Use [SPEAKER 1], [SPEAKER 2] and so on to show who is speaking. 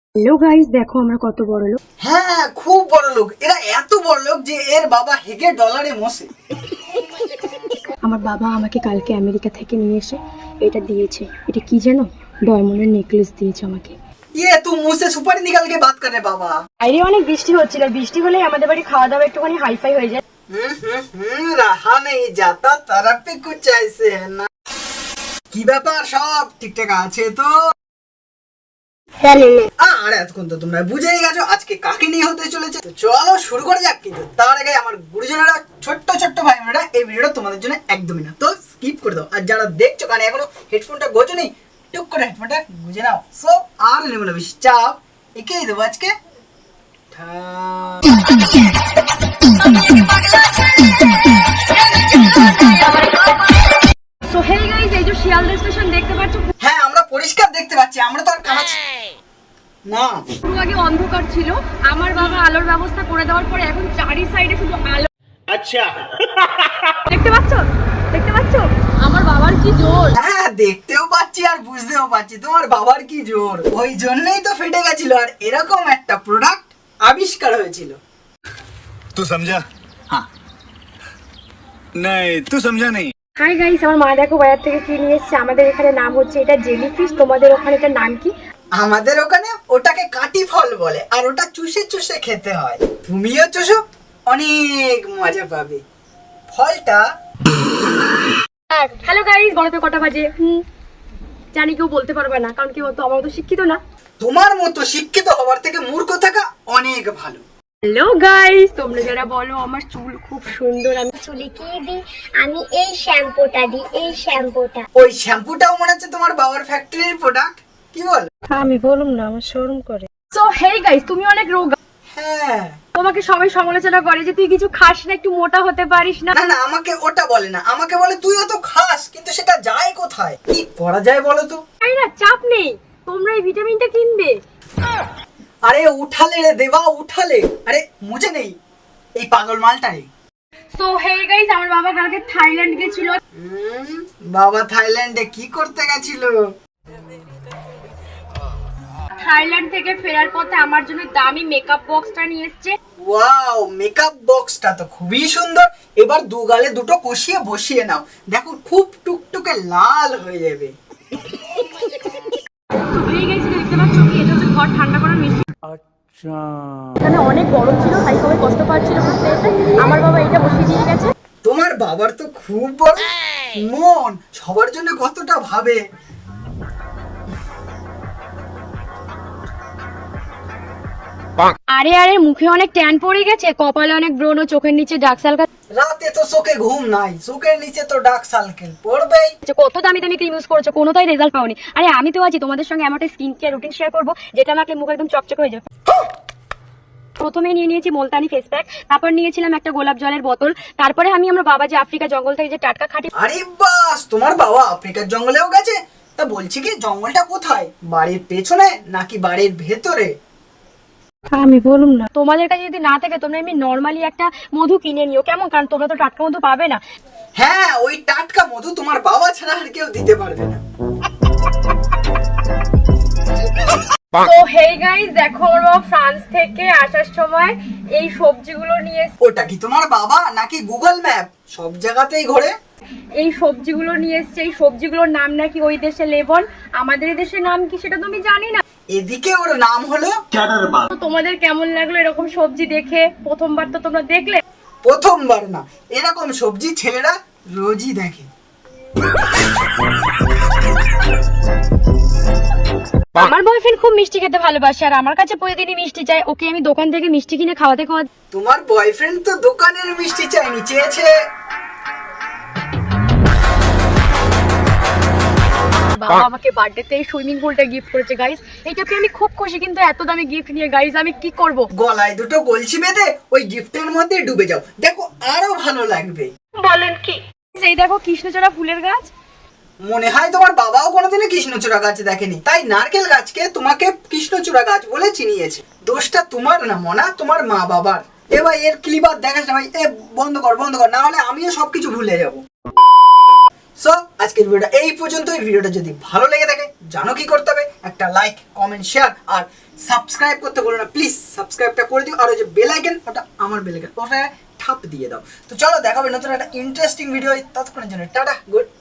[SPEAKER 1] Hello guys, দেখো আমরা কত বড় লোক।
[SPEAKER 2] হ্যাঁ, খুব বড় লোক। এরা এত বড় লোক যে এর বাবা হেগে ডলারে মোসে।
[SPEAKER 1] আমার বাবা আমাকে কালকে আমেরিকা থেকে নিয়ে এসে এটা দিয়েছে। এটা কি জানো? ডায়মন্ডের নেকলেস দিয়েছে আমাকে।
[SPEAKER 2] ये तू मुंह से सुपारी निकाल के बात कर रहे बाबा।
[SPEAKER 1] বাইরে অনেক বৃষ্টি হচ্ছিল, বৃষ্টি হলেই আমাদের বাড়ি খাওয়া দাওয়া একটুখানি হাইফাই হয়ে যায়।
[SPEAKER 2] रहा नहीं जाता तरफ पे कुछ ऐसे है ना। কি ব্যাপার, সব ঠিকঠাক আছে তো? আরে এতক্ষণ তো তোমরা বুঝেই গেছো আজকে কাকে নিয়ে হতে চলেছে। তো চলো শুরু করা যাক। কিন্তু তার আগে আমার গুরুজনেরা, ছোট্ট ছোট্ট ভাই বোনেরা, এই ভিডিওটা তোমাদের জন্য একদমই না, তো স্কিপ করে দাও। আর যারা দেখছো কানে এখনো হেডফোনটা গোছো নেই, টুক করে হেডফোনটা গুঁজে নাও। সো আর নেবো না বেশি চাপ, একেই দেবো আজকে।
[SPEAKER 1] সো হেই গাইস, এই যে শিয়ালদা স্টেশন দেখতে পাচ্ছ,
[SPEAKER 2] হ্যাঁ আমরা পরিষ্কার দেখতে পাচ্ছি, আমরা তো আর কামাচ্ছি না।
[SPEAKER 1] পুরো আগে অন্ধকার ছিল, আমার বাবা আলোর ব্যবস্থা করে দেওয়ার পরে এখন চারি সাইডে শুধু আলো।
[SPEAKER 3] अच्छा
[SPEAKER 1] দেখতে পাচ্ছ, দেখতে পাচ্ছ আমার বাবার কি জোর।
[SPEAKER 2] হ্যাঁ দেখতেও পাচ্ছি আর বুঝতেও পাচ্ছি তোমার বাবার কি জোর। ওই জন্যই তো ফেটে গেছিল আর এরকম একটা প্রোডাক্ট আবিষ্কার হয়েছিল।
[SPEAKER 3] तू समझा? हाँ नहीं तू समझा नहीं।
[SPEAKER 1] হাই গাইস, আমার মা দেখো বাজার থেকে কি নিয়ে এসেছে। আমাদের এখানে নাম হচ্ছে এটা জেলিফিশ, তোমাদের ওখানে এটার নাম কি?
[SPEAKER 2] আমাদের ওখানে ওটাকে কাটি ফল বলে আর ওটা চুষে চুষে খেতে হয়। তুমিও চুষো, অনেক মজা পাবে। ফলটা
[SPEAKER 1] হ্যালো গাইস, বড়তে কটা বাজে? জানি কেউ বলতে পারবে না, কারণ কি বলতো, আমরা তো শিক্ষিত না।
[SPEAKER 2] তোমার মতো শিক্ষিত হওয়ার থেকে মূর্খ থাকা অনেক ভালো।
[SPEAKER 1] হ্যালো গাইস, তোমরা যারা বলো আমার চুল খুব সুন্দর, আমি
[SPEAKER 4] চুলে কি দিই? আমি এই শ্যাম্পুটা দিই, এই শ্যাম্পুটা।
[SPEAKER 2] ওই শ্যাম্পুটাও মনে হচ্ছে তোমার বাবার ফ্যাক্টরির প্রোডাক্ট। কি বল?
[SPEAKER 1] আমি বললাম না, আমার শরম করে। সো হেই গাইস, তুমি অনেক রোগা।
[SPEAKER 2] হ্যাঁ,
[SPEAKER 1] তোমাকে সবাই সমালোচনা করে যে তুই কিছু খাস না, একটু মোটা হতে পারিস না।
[SPEAKER 2] না না, আমাকে ওটা বলে না, আমাকে বলে তুইও তো খাস, কিন্তু সেটা যায় কোথায়? কি করা যায় বলো তো?
[SPEAKER 1] তাই না, চাপ নেই, তোমরা এই ভিটামিনটা কিনবে।
[SPEAKER 2] আরে উঠালে রে দেবা, উঠালে। আরে মুঝে নেই এই পাগল মালটা রে।
[SPEAKER 1] সো হেই গাইস, আমার বাবা কালকে থাইল্যান্ড গেছিল।
[SPEAKER 2] বাবা থাইল্যান্ডে কি করতে গেছিল?
[SPEAKER 1] থাইল্যান্ড থেকে ফেরার পথে আমার জন্য দামি মেকআপ বক্সটা নিয়ে এসেছে।
[SPEAKER 2] ওয়াও, মেকআপ বক্সটা তো খুবই সুন্দর। এবার দু গালে দুটো কষিয়ে বসিয়ে নাও, দেখো খুব টুকটুকে লাল হয়ে যাবে।
[SPEAKER 1] তো হেই গাইস, দেখতে পাচ্ছ কি, এটা হচ্ছে ঘর ঠান্ডা করার মেশিন। আচ্ছা, এখানে অনেক গরম ছিল তাই সবাই কষ্ট পাচ্ছিল ঘুরতে এসে, আমার বাবা এটা বসিয়ে দিয়ে গেছে।
[SPEAKER 2] তোমার বাবার তো খুব বড় মন, সবার জন্য কতটা ভাবে।
[SPEAKER 1] আরে আরে, মুখে অনেক ট্যান পড়ে গেছে, কপালে অনেক ব্রণ ও চোখের নিচে ডার্ক সার্কেল।
[SPEAKER 2] রাতে তো চোখে ঘুম নাই, চোখের নিচে তো ডার্ক সার্কেল পড়বেই।
[SPEAKER 1] কত দামি দামি ক্রিম ইউজ করেছো, কোনোটাই রেজাল্ট পাওনি। আরে আমি তো আছি তোমাদের সঙ্গে এমন একটা স্কিন কেয়ার রুটিন শেয়ার করবো যেটা মাখলে মুখ একদম চকচকে হয়ে যাবে। প্রথমে নিয়ে নিয়েছি মুলতানি ফেস প্যাক, তারপর নিয়েছিলাম একটা গোলাপ জলের বোতল, তারপরে আমি আমার বাবা যে আফ্রিকা জঙ্গল থেকে যে টাটকা খাঁটি।
[SPEAKER 2] আরে বাস, তোমার বাবা আফ্রিকার জঙ্গলেও গেছে? তা বলছি কি, জঙ্গলটা কোথায়? বাড়ির পেছনে নাকি বাড়ির ভেতরে?
[SPEAKER 1] আমি বলুম না, তোমাদের কাছে যদি না থাকে তোমরা এমনি নর্মালি একটা মধু কিনে নিও, কেমন? কারণ তোমরা তো টাটকা মধু পাবে না।
[SPEAKER 2] হ্যাঁ, ওই টাটকা মধু তোমার বাবা ছাড়া আর কেউ দিতে পারবে না।
[SPEAKER 1] তো হেই গাইস, দেখো আমার বাবা ফ্রান্স থেকে আসার সময় এই সবজিগুলো নিয়ে
[SPEAKER 2] ওটা কি তোমার বাবা নাকি গুগল ম্যাপ সব জায়গাতেই ঘোরে?
[SPEAKER 1] এই সবজিগুলো নিয়ে এসছে। এই সবজিগুলোর নাম নাকি ওই দেশে লেবন, আমাদের এই দেশের নাম কি সেটা তো আমি জানি না।
[SPEAKER 2] এদিকে ওর নাম হলো।
[SPEAKER 1] তো তোমাদের কেমন লাগলো এরকম সবজি দেখে? প্রথমবার তো তোমরা দেখলে।
[SPEAKER 2] প্রথমবার না, এরকম সবজি ছেলেরা রোজই দেখে।
[SPEAKER 1] আমার বয়ফ্রেন্ড খুব মিষ্টি খেতে ভালোবাসে আর আমার কাছে প্রতিদিনই মিষ্টি চাই। ওকে আমি দোকান থেকে মিষ্টি কিনে খাওয়াতে খাওয়াতে।
[SPEAKER 2] তোমার বয়ফ্রেন্ড তো দোকানের মিষ্টি চাইনি, চেয়েছে
[SPEAKER 1] বাবা আমাকে বার্থডেতে এই সুইমিং পুলটা গিফট করেছে গাইস। এইটাকে আমি খুব খুশি, কিন্তু এত দামি গিফট নিয়ে গাইস আমি কি করব?
[SPEAKER 2] গলায় দুটো কলসি বেঁধে ওই গিফটের মধ্যে ডুবে যাও, দেখো আরো ভালো লাগবে।
[SPEAKER 1] বলেন কি? এই দেখো কৃষ্ণচূড়া ফুলের গাছ।
[SPEAKER 2] মনে হয় তোমার বাবাও কোনোদিনও কৃষ্ণচূড়া গাছ দেখেনি, তাই নারকেল গাছকে তোমাকে কৃষ্ণচূড়া গাছ বলে চিনিয়েছে। দোষটা তোমার না মনা, তোমার মা বাবার। এবার এর ক্লিপার দেখাস না ভাই, এ বন্ধ কর বন্ধ কর, না হলে আমিও সবকিছু ভুলে যাব। সো আজকের ভিডিওটা এই পর্যন্তই। ভিডিওটা যদি ভালো লেগে থাকে জানো কি করতে হবে, একটা লাইক, কমেন্ট, শেয়ার আর সাবস্ক্রাইব করতে ভুলো না প্লিজ। সাবস্ক্রাইবটা করে দিও, আর ওই যে বেল আইকন, ওটা আমার বেল আইকন, ওটা ঠাপ দিয়ে দাও। তো চলো দেখাবে নতুন একটা ইন্টারেস্টিং ভিডিও। ততক্ষণের জন্য টাটা, গুড